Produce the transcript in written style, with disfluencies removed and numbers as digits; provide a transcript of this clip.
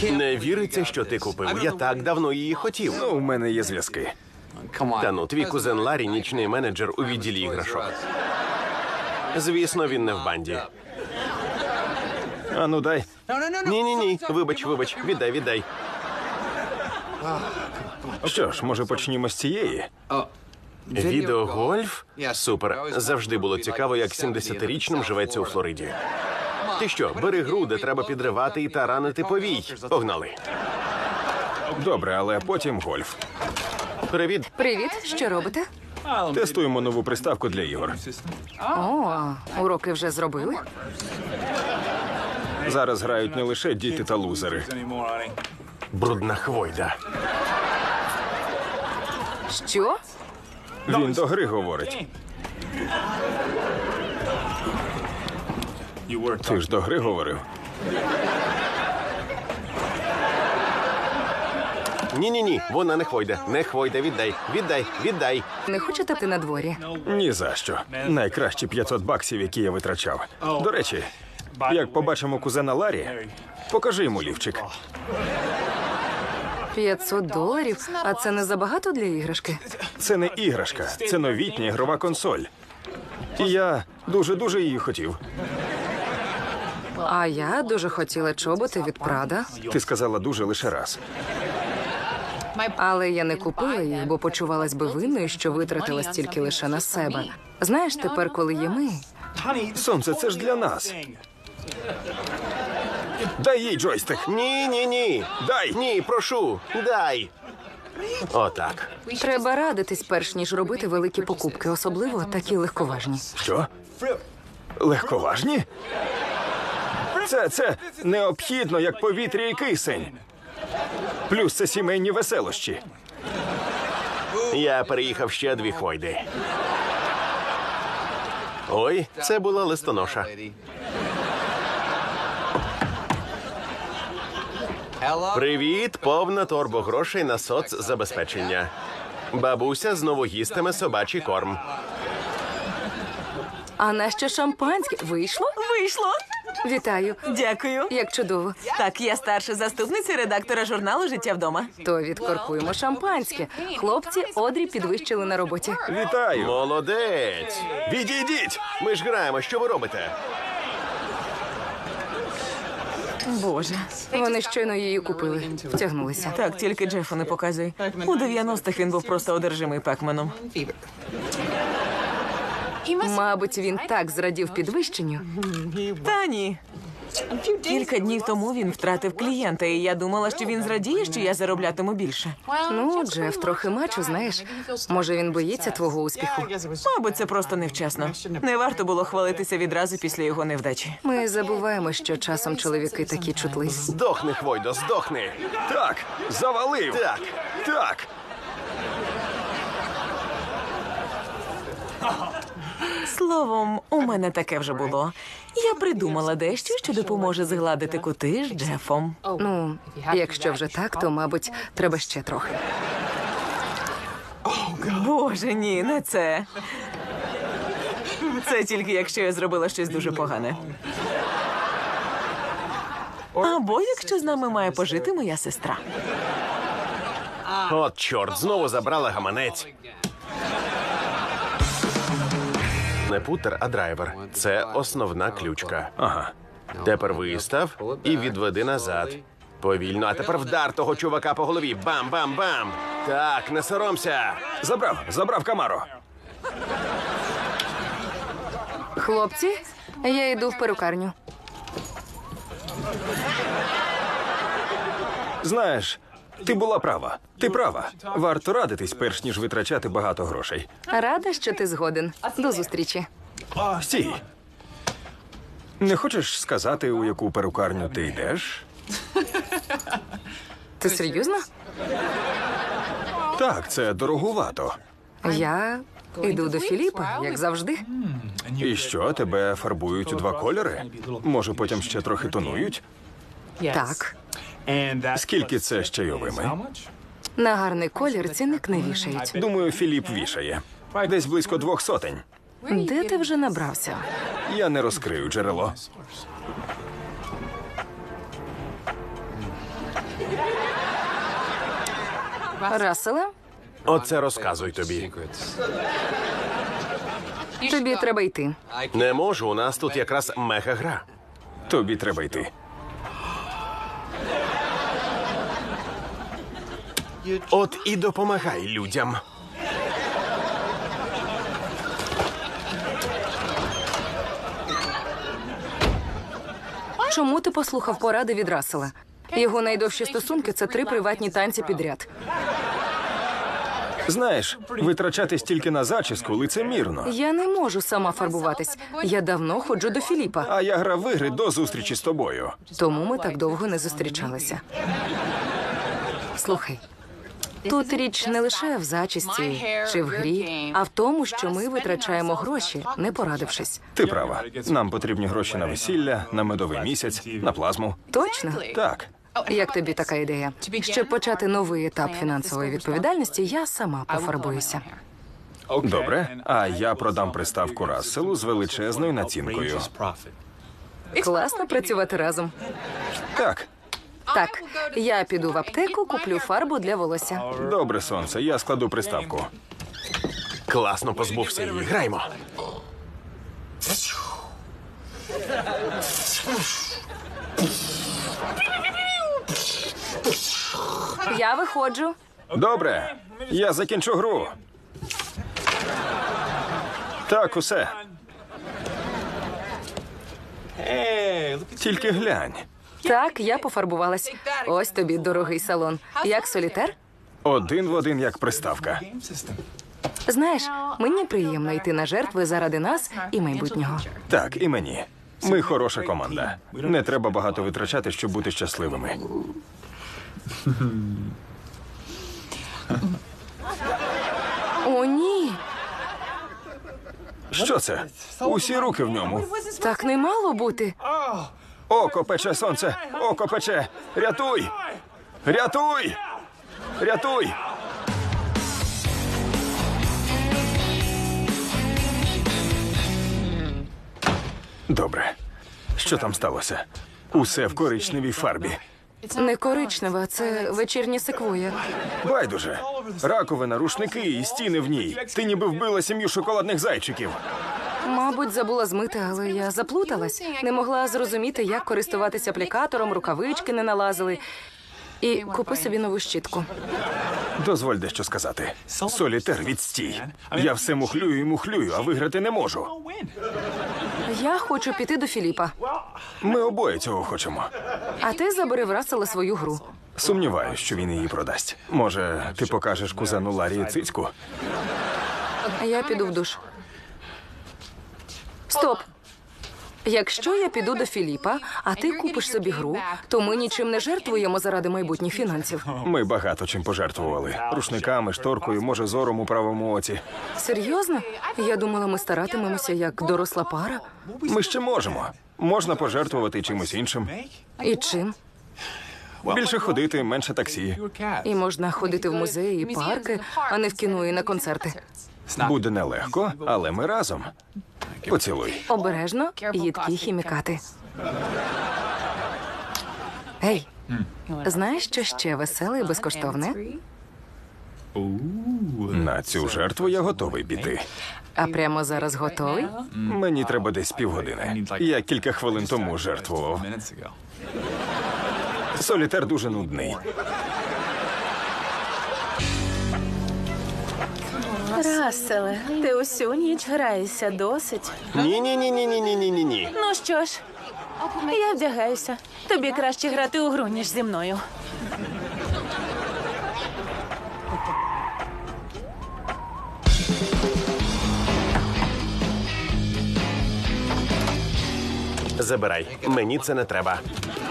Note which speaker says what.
Speaker 1: Не віриться, що ти купив. Я так давно її хотів.
Speaker 2: Ну, у мене є зв'язки.
Speaker 1: Та ну, твій кузен Ларі – нічний менеджер у відділі іграшок. Звісно, він не в банді.
Speaker 2: А ну дай.
Speaker 1: Ні. Вибач. Віддай.
Speaker 2: Що ж, може почнімо з цієї?
Speaker 1: Відеогольф? Супер. Завжди було цікаво, як 70-річним живеться у Флориді. Ти що, бери гру, де треба підривати і таранити повій. Погнали.
Speaker 2: Добре, але потім гольф.
Speaker 1: Привіт.
Speaker 3: Привіт, що робите?
Speaker 2: Тестуємо нову приставку для ігор.
Speaker 3: О, уроки вже зробили?
Speaker 2: Зараз грають не лише діти та лузери.
Speaker 1: Брудна хвойда.
Speaker 3: Що?
Speaker 2: Він до гри говорить. Ти ж до гри говорив.
Speaker 1: Ні, вона не хвойда. Не хвойда, віддай.
Speaker 3: Не хочете ти на дворі?
Speaker 2: Ні за що. Найкращі $500, які я витрачав. До речі, як побачимо кузена Ларі, покажи йому лівчик.
Speaker 3: $500? А це не забагато для іграшки?
Speaker 2: Це не іграшка, це новітня ігрова консоль. І я дуже її хотів.
Speaker 3: А я дуже хотіла чоботи від Прада.
Speaker 2: Ти сказала дуже лише раз.
Speaker 3: Але я не купила їх, бо почувалась би винною, що витратила стільки лише на себе. Знаєш, тепер, коли є ми...
Speaker 2: Сонце, це ж для нас. Дай їй джойстик.
Speaker 1: Ні.
Speaker 2: Дай.
Speaker 1: Ні, прошу, дай. Отак.
Speaker 3: Треба радитись, перш ніж робити великі покупки, особливо такі легковажні.
Speaker 2: Що? Легковажні? Це необхідно, як повітря і кисень. Плюс це сімейні веселощі.
Speaker 1: Я переїхав ще 2 хвойди. Ой, це була листоноша. Привіт, повна торбо грошей на соцзабезпечення. Бабуся знову їстиме собачий корм.
Speaker 3: А нащо шампанське? Вийшло?
Speaker 4: Вийшло.
Speaker 3: Вітаю.
Speaker 4: Дякую.
Speaker 3: Як чудово.
Speaker 4: Так, я старша заступниця редактора журналу «Життя вдома».
Speaker 3: То відкоркуємо шампанське. Хлопці Одрі підвищили на роботі.
Speaker 2: Вітаю.
Speaker 1: Молодець!
Speaker 2: Відійдіть.
Speaker 1: Ми ж граємо, що ви робите?
Speaker 4: Боже.
Speaker 3: Вони щойно її купили. Втягнулися.
Speaker 4: Так, тільки Джефу не показуй. У 90-х він був просто одержимий Пекменом.
Speaker 3: Мабуть, він так зрадів підвищенню.
Speaker 4: Та ні. Кілька днів тому він втратив клієнта, і я думала, що він зрадіє, що я зароблятиму більше.
Speaker 3: Ну, Джеф трохи мачо, знаєш. Може, він боїться твого успіху.
Speaker 4: Мабуть, це просто невчасно. Не варто було хвалитися відразу після його невдачі.
Speaker 3: Ми забуваємо, що часом чоловіки такі чутливі.
Speaker 1: Здохни, хвойдо, здохни!
Speaker 2: Так, завалив. Так.
Speaker 4: Словом, у мене таке вже було. Я придумала дещо, що допоможе згладити кути з Джефом.
Speaker 3: Ну, якщо вже так, то, мабуть, треба ще трохи.
Speaker 4: Боже, ні, не це. Це тільки якщо я зробила щось дуже погане. Або якщо з нами має пожити моя сестра.
Speaker 1: От чорт, знову забрала гаманець. Не путер, а драйвер. Це основна ключка.
Speaker 2: Ага.
Speaker 1: Тепер вистав і відведи назад. Повільно, а тепер вдар того чувака по голові. Бам-бам-бам! Так, не соромся.
Speaker 2: Забрав Камаро.
Speaker 3: Хлопці, я йду в перукарню.
Speaker 2: Знаєш, ти була права. Ти права. Варто радитись, перш ніж витрачати багато грошей.
Speaker 3: Рада, що ти згоден. До зустрічі.
Speaker 2: Стій. Не хочеш сказати, у яку перукарню ти йдеш?
Speaker 3: Ти серйозно?
Speaker 2: Так, це дорогувато.
Speaker 3: Я йду до Філіпа, як завжди.
Speaker 2: І що, тебе фарбують у 2 кольори? Може, потім ще трохи тонують?
Speaker 3: Так.
Speaker 2: Скільки це з чайовими?
Speaker 3: На гарний колір цінник не вішають.
Speaker 2: Думаю, Філіп вішає. Десь близько 200.
Speaker 3: Де ти вже набрався?
Speaker 2: Я не розкрию джерело.
Speaker 3: Расселе,
Speaker 1: Оце розказуй тобі.
Speaker 3: тобі треба йти.
Speaker 1: Не можу, у нас тут якраз мега-гра.
Speaker 2: Тобі треба йти.
Speaker 1: От і допомагай людям.
Speaker 3: Чому ти послухав поради від Рассела? Його найдовші стосунки – це 3 приватні танці підряд.
Speaker 2: Знаєш, витрачати стільки на зачіску лицемірно.
Speaker 3: Я не можу сама фарбуватись. Я давно ходжу до Філіпа,
Speaker 2: А я грав в ігри до зустрічі з тобою.
Speaker 3: тому ми так довго не зустрічалися. Слухай, тут річ не лише в зачісті чи в грі, а в тому, що ми витрачаємо гроші, не порадившись.
Speaker 2: Ти права. Нам потрібні гроші на весілля, на медовий місяць, на плазму.
Speaker 3: Точно?
Speaker 2: Так.
Speaker 3: Як тобі така ідея? Щоб почати новий етап фінансової відповідальності, я сама пофарбуюся.
Speaker 2: Добре. А я продам приставку Расселу з величезною націнкою.
Speaker 3: Класно працювати разом.
Speaker 2: Так.
Speaker 3: Так, я піду в аптеку, куплю фарбу для волосся.
Speaker 2: Добре, сонце, я складу приставку.
Speaker 1: Класно позбувся її. Граймо.
Speaker 3: Я виходжу.
Speaker 2: Добре. Я закінчу гру. Так, усе. Тільки глянь.
Speaker 3: Так, я пофарбувалась. Ось тобі дорогий салон. Як солітер?
Speaker 2: Один в один, як приставка.
Speaker 3: Знаєш, мені приємно йти на жертви заради нас і майбутнього.
Speaker 2: Так, і мені. Ми хороша команда. Не треба багато витрачати, щоб бути щасливими.
Speaker 3: О, ні.
Speaker 2: Що це? Усі руки в ньому.
Speaker 3: Так не мало бути.
Speaker 2: Око пече, сонце! Око пече! Рятуй! Рятуй! Рятуй! Добре. Що там сталося? Усе в коричневій фарбі.
Speaker 3: Не коричнева, це вечірня секвоя.
Speaker 2: Байдуже. Раковина, рушники і стіни в ній. Ти ніби вбила сім'ю шоколадних зайчиків.
Speaker 3: Мабуть, забула змити, але я заплуталась. Не могла зрозуміти, як користуватися аплікатором, рукавички не налазили. І купи собі нову щітку.
Speaker 2: Дозволь дещо сказати. Солітер, відстій. Я все мухлюю і мухлюю, а виграти не можу.
Speaker 3: Я хочу піти до Філіпа.
Speaker 2: Ми обоє цього хочемо.
Speaker 3: А ти забери в Рассела свою гру.
Speaker 2: Сумніваюсь, що він її продасть. Може, ти покажеш кузену Ларі цицьку?
Speaker 3: Я піду в душ. Стоп! Якщо я піду до Філіпа, а ти купиш собі гру, то ми нічим не жертвуємо заради майбутніх фінансів.
Speaker 2: Ми багато чим пожертвували. Рушниками, шторкою, може, зором у правому оці.
Speaker 3: Серйозно? Я думала, ми старатимемося як доросла пара.
Speaker 2: Ми ще можемо. Можна пожертвувати чимось іншим.
Speaker 3: І чим?
Speaker 2: Більше ходити, менше таксі.
Speaker 3: І можна ходити в музеї і парки, а не в кіно і на концерти.
Speaker 2: Буде нелегко, але ми разом. Поцілуй.
Speaker 3: Обережно, їдкі хімікати. Ей, знаєш, що ще веселе і безкоштовне?
Speaker 2: На цю жертву я готовий піти.
Speaker 3: А прямо зараз готовий?
Speaker 2: Мені треба десь півгодини. Я кілька хвилин тому жертвував. Солітер дуже нудний.
Speaker 5: Расселе, ти усю ніч граєшся досить.
Speaker 1: Ні.
Speaker 5: Ну що ж, я вдягаюся. Тобі краще грати у гру, ніж зі мною.
Speaker 1: Забирай. Мені це не треба.